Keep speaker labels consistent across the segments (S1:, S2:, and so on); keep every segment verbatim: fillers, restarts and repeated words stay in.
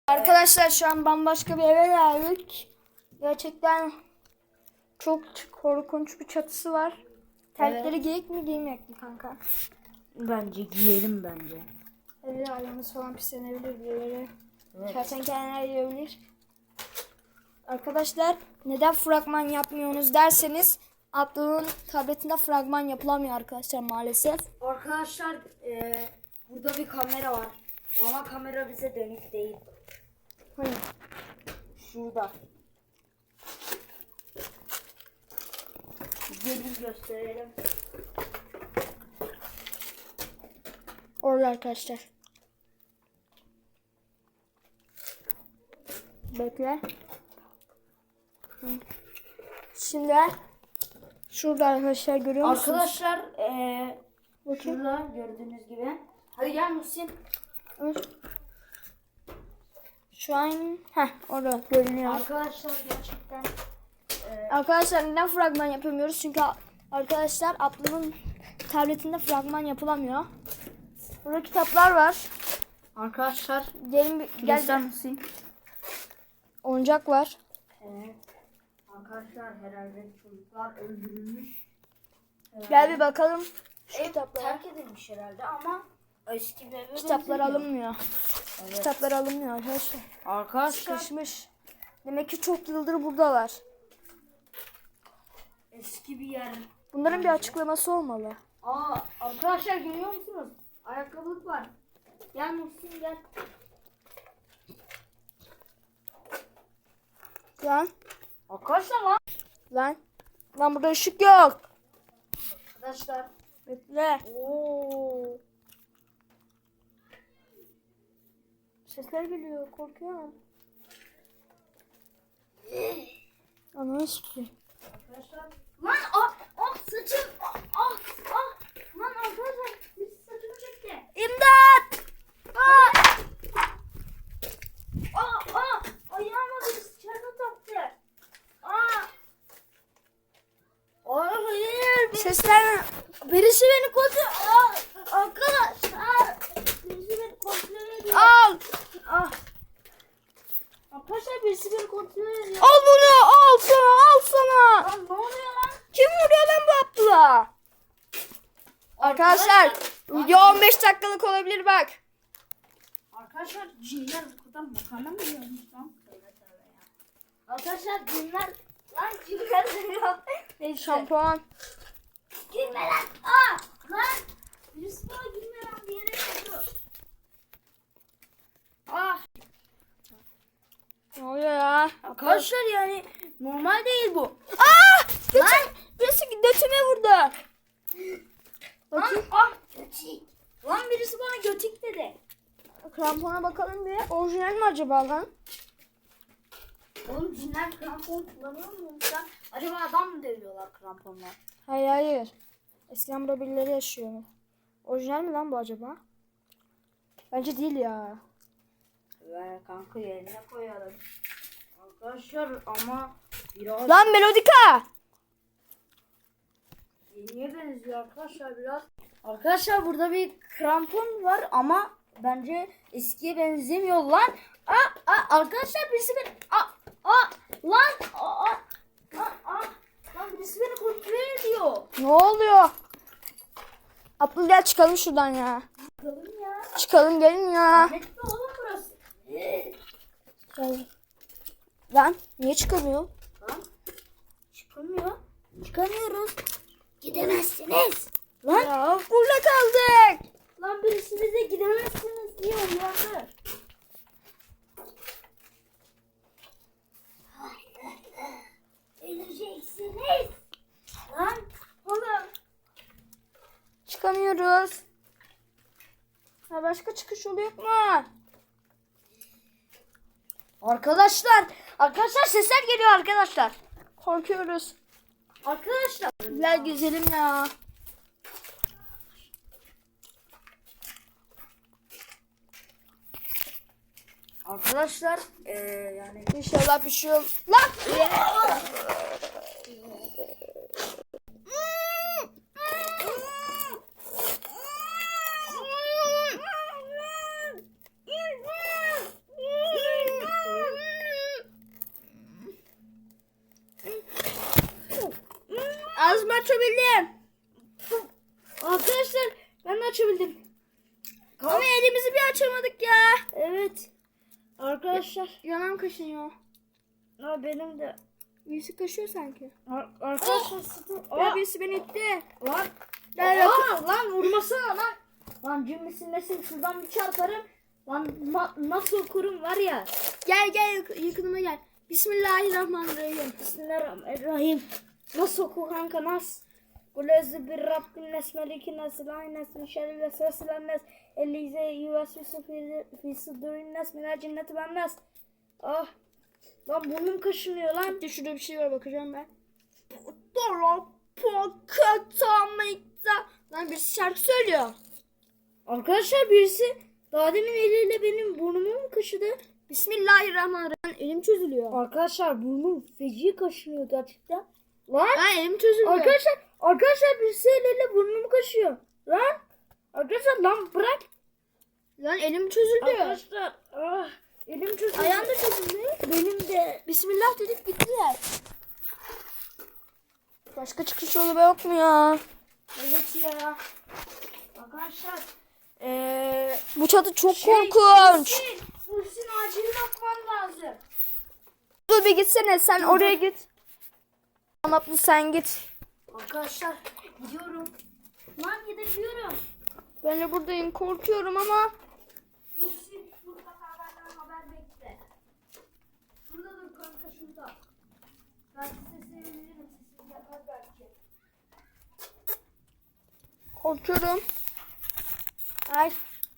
S1: Arkadaşlar şu an bambaşka bir eve geldik. Gerçekten çok korkunç bir çatısı var. Terlikleri evet. Giyik mi giymeyek mi kanka?
S2: Bence giyelim bence.
S1: Evet, ayağımız falan pislenebilir birileri.
S2: Evet.
S1: Kertenkeleler yiyebilir. Arkadaşlar neden fragman yapmıyorsunuz derseniz Abdu'nun tabletinde fragman yapılamıyor arkadaşlar maalesef.
S2: Arkadaşlar e, burada bir kamera var ama kamera bize dönük değil.
S1: Hayır.
S2: Şurada. Gelin gösterelim.
S1: Orada arkadaşlar. Bekle. Hı. Şimdi şurada arkadaşlar görüyor musunuz?
S2: Arkadaşlar ee, şurada gördüğünüz gibi. Hadi gel Muhsin.
S1: Şu an heh, orada görünüyor.
S2: Arkadaşlar gerçekten ee...
S1: Arkadaşlar neden fragman yapamıyoruz? Çünkü arkadaşlar Abdul'un tabletinde fragman yapılamıyor. Burada kitaplar var.
S2: Arkadaşlar
S1: gelin bir gel.
S2: Muhsin.
S1: Oyuncak var.
S2: Evet. Arkadaşlar herhalde çocuklar öldürülmüş. Evet.
S1: Gel bir bakalım. Şu
S2: Ev
S1: kitaplar
S2: terk edilmiş herhalde ama eski bir eve
S1: kitaplar
S2: benzemiyor.
S1: alınmıyor.
S2: Evet.
S1: Kitaplar alınmıyor arkadaşlar.
S2: Arkadaşlar
S1: Sıkışmış. Demek ki çok yıldır buradalar.
S2: Eski bir yer.
S1: Bunların bir açıklaması olmalı.
S2: Aa arkadaşlar görüyor musunuz? Ayakkabılık var. Gel Muhsin gel.
S1: Lan.
S2: Arkadaşlar lan.
S1: Lan. Lan burada ışık yok.
S2: Arkadaşlar.
S1: Bekle.
S2: Oo.
S1: Sesler geliyor. Korkuyorum. Ananı sikeyim.
S2: Arkadaşlar. Lan ah ah saçım. Ah ah ah. Lan arkadaşlar birisi saçımı çekti.
S1: İmdat!
S2: Ah. Ah ah. Ayağıma birisi çarpı taktı. Ah. Ay hayır.
S1: Sesler
S2: Birisi beni kontrol... Aa, arkadaşlar. Birisi beni kontrol ediyor.
S1: al.
S2: Ah. Arkadaşlar birisi beni kontrol ediyor.
S1: Al bunu. Al sana. Al sana.
S2: Lan ne oluyor lan?
S1: Kim vuruyor lan bu Abdullah? Arkadaşlar video on beş dakikalık olabilir bak.
S2: Arkadaşlar cinler bu kadar makarna mı yiyormuş lan? Tövbe tövbe ya. Arkadaşlar cinler... Lan cinler yiyor. Neyse.
S1: Şampuan.
S2: Girme lan. Aa, lan. Birisi bana girme lan bir yere yapıyor. Ah.
S1: Ne oluyor ya?
S2: Arkadaşlar yani normal değil bu.
S1: Aa! Götüm, birisi götüme vurdu.
S2: Lan
S1: Bakayım.
S2: ah götik. Lan birisi bana götik dedi.
S1: Krampona bakalım bir. Orijinal mi acaba lan?
S2: Oğlum cinler krampon kullanıyor mu lan? Acaba adam mı dövüyorlar kramponla?
S1: Hayır hayır. Eskiden burada birileri yaşıyor. Orijinal mi lan bu acaba? Bence değil ya.
S2: Ver kanka yerine koyalım. Arkadaşlar ama biraz...
S1: Lan Melodika!
S2: Yeniye benziyor arkadaşlar biraz. Arkadaşlar burada bir krampon var ama bence eskiye benzemiyor lan. Aa, aa, arkadaşlar birisi beni... Aa, aa, lan! Aa, aa, aa, aa, lan birisi beni kontrol ediyor.
S1: Ne oluyor? Abdül gel çıkalım şuradan ya.
S2: Çıkalım ya.
S1: Çıkalım gelin ya.
S2: Ne oğlum burası?
S1: Gel. Lan niye çıkamıyor?
S2: Lan çıkamıyor. Çıkamıyoruz. Gidemezsiniz. Lan.
S1: Ya burada kaldık.
S2: Lan birisi bize gidemezsiniz diye uyardı. Öleceksiniz. Lan oğlum.
S1: Çıkamıyoruz. Ha, başka çıkış yolu yok mu?
S2: Arkadaşlar. Arkadaşlar sesler geliyor arkadaşlar.
S1: Korkuyoruz.
S2: Arkadaşlar.
S1: Gel güzelim ya.
S2: Arkadaşlar ee, yani
S1: İnşallah bir şey olur. Lan! açabildim.
S2: Arkadaşlar ben de açabildim.
S1: Ama elimizi bir açamadık ya.
S2: Evet. Arkadaşlar.
S1: Yanağım kaşınıyor.
S2: Ha, benim de.
S1: Birisi kaşıyor sanki.
S2: Ar- arkadaşlar sıkı.
S1: Ya
S2: Aa,
S1: birisi beni itti.
S2: lan.
S1: Gel
S2: Aa, lan vurmasana lan. Lan cümlesin nesin şuradan bir çarparım. Lan ma- nasıl okurum var ya.
S1: Gel gel yak- yakınıma gel. Bismillahirrahmanirrahim.
S2: Bismillahirrahmanirrahim. Nasıl oku kanka nasıl? Kulezü bir Rabbin nesmelikin nesilahin nesmi şerri ve sesilen nes. Elize yuvasüsü fi sudurin nes minel cinneti ben nes. Ah. Lan burnum kaşınıyor lan.
S1: Bir şurada bir şey var bakacağım ben. Dora pokatamikta. Lan birisi şarkı söylüyor.
S2: Arkadaşlar birisi daha demin eliyle benim burnumu mu kaşıdı?
S1: Bismillahirrahmanirrahim. Elim çözülüyor.
S2: Arkadaşlar burnum feci kaşınıyor gerçekten. Lan.
S1: Lan elim çözülüyor.
S2: Arkadaşlar arkadaşlar birisi eliyle burnumu kaşıyor. Lan. Arkadaşlar lan bırak.
S1: Lan elim çözüldü.
S2: Arkadaşlar ah, elim çözüldü.
S1: Ayağım da çözüldü.
S2: Benim de.
S1: Bismillah dedik gittiler. Başka çıkış yolu yok mu ya?
S2: Evet ya. Arkadaşlar. Eee.
S1: Bu çatı çok
S2: Şey,
S1: korkunç.
S2: Muhsin, Muhsin acil bakman lazım.
S1: Dur bir gitsene sen oraya git. Tamam Abdul sen git.
S2: Arkadaşlar gidiyorum. Lan gidiyorum.
S1: Ben de buradayım korkuyorum ama.
S2: Muhsin mutlaka benden haber bekle. Şurada dur kanka şurada. Belki sesini veririm. Sesini yapar belki.
S1: Korkuyorum. Ay.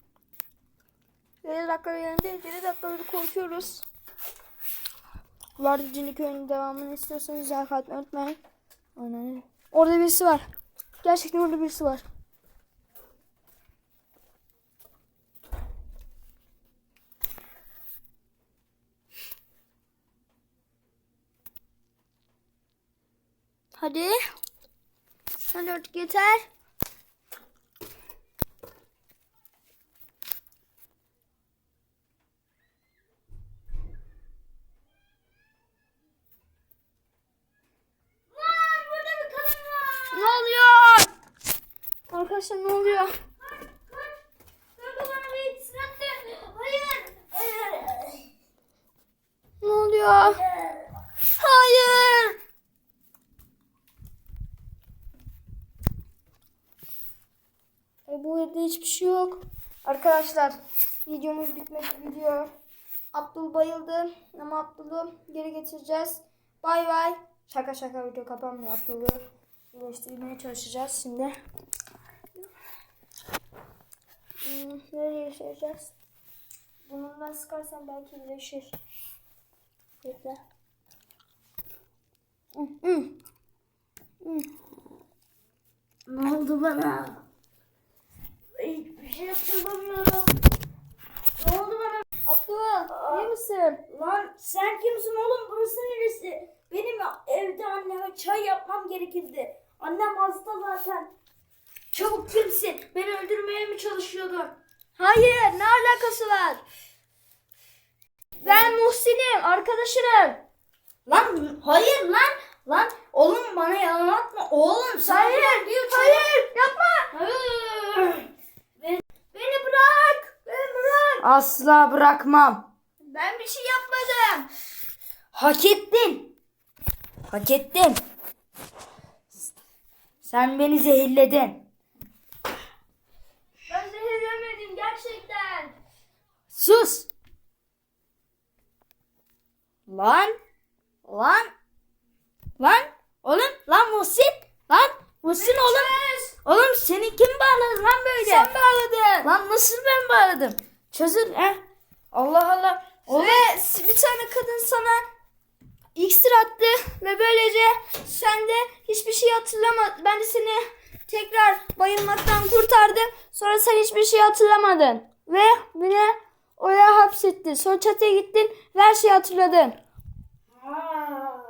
S1: yedi dakika yerindeyiz. yedi dakikadır korkuyoruz. Vardı Cinli Köyü'nün devamını istiyorsanız like atmayı unutmayın. Aynen. Orada birisi var. Gerçekten orada birisi var. Hadi. Hadi artık yeter.
S2: Lan burada bir kadın var.
S1: Ne oluyor? Arkadaşlar ne oluyor?
S2: Kaç kaç. Kanka bana bir itisini attı. Hayır. Hayır.
S1: Ne oluyor? Hayır. E, bu evde hiçbir şey yok. Arkadaşlar videomuz bitmek gidiyor. Abdul bayıldı ama Abdul'u geri getireceğiz. Bay bay. Şaka şaka video kapanmıyor. Abdul'u iyileştirmeye çalışacağız şimdi. Hmm, nereye yaşayacağız? Bununla sıkarsan belki iyileşir. Bekle. Hı, hı. Hı.
S2: Ne oldu bana? Hiçbir şey hatırlamıyorum. Ne oldu bana?
S1: Abdul, iyi misin?
S2: Lan sen kimsin oğlum? Burası neresi? Benim evde anneme çay yapmam gerekirdi. Annem hasta zaten. Çabuk kimsin? Beni öldürmeye mi çalışıyordun?
S1: Hayır, ne alakası var? Ben Muhsin'im, arkadaşınım.
S2: Lan hayır lan. Lan oğlum bana yalan atma. Oğlum sen
S1: Hayır, hayır, yapma.
S2: Hayır.
S1: Beni, beni bırak, beni bırak.
S2: Asla bırakmam.
S1: Ben bir şey yapmadım.
S2: Hak ettin. Hak ettin. Sen beni zehirledin.
S1: Ben zehirlemedim gerçekten.
S2: Sus. Lan. Lan. Lan. Oğlum. Lan Muhsin. Lan. Muhsin oğlum. Oğlum seni kim bağladı lan böyle?
S1: Sen bağladın.
S2: Lan nasıl ben bağladım? Çözül. He. Allah Allah. Oğlum.
S1: Ve bir tane kadın sana iksir attı ve böylece sen de hiçbir şey hatırlamadın. Ben de seni tekrar bayılmaktan kurtardım. Sonra sen hiçbir şey hatırlamadın. Ve beni oraya hapsetti. Sonra çatıya gittin ve her şeyi hatırladın.
S2: Aa,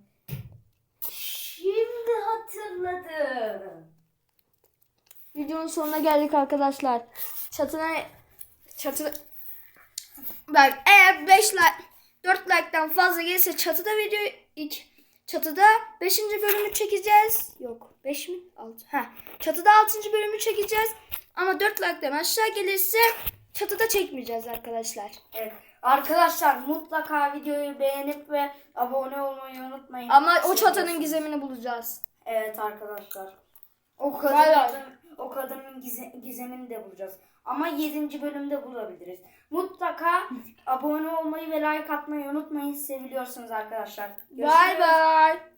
S2: şimdi hatırladım.
S1: Videonun sonuna geldik arkadaşlar. Çatına çatı bak eğer beş like dört like'tan fazla gelirse çatıda video ilk çatıda beşinci bölümü çekeceğiz. Yok beş mi? altı. Heh. Çatıda altıncı bölümü çekeceğiz. Ama dört like'dan aşağı gelirse çatıda çekmeyeceğiz arkadaşlar.
S2: Evet. Arkadaşlar mutlaka videoyu beğenip ve abone olmayı unutmayın.
S1: Ama o çatının
S2: Seviyorsunuz.
S1: gizemini bulacağız.
S2: Evet arkadaşlar. O
S1: Vay
S2: kadının,
S1: vay.
S2: o kadının gize- gizemini de bulacağız. Ama yedinci bölümde bulabiliriz. Mutlaka abone olmayı ve like atmayı unutmayın. Seviliyorsunuz arkadaşlar.
S1: Bye bye.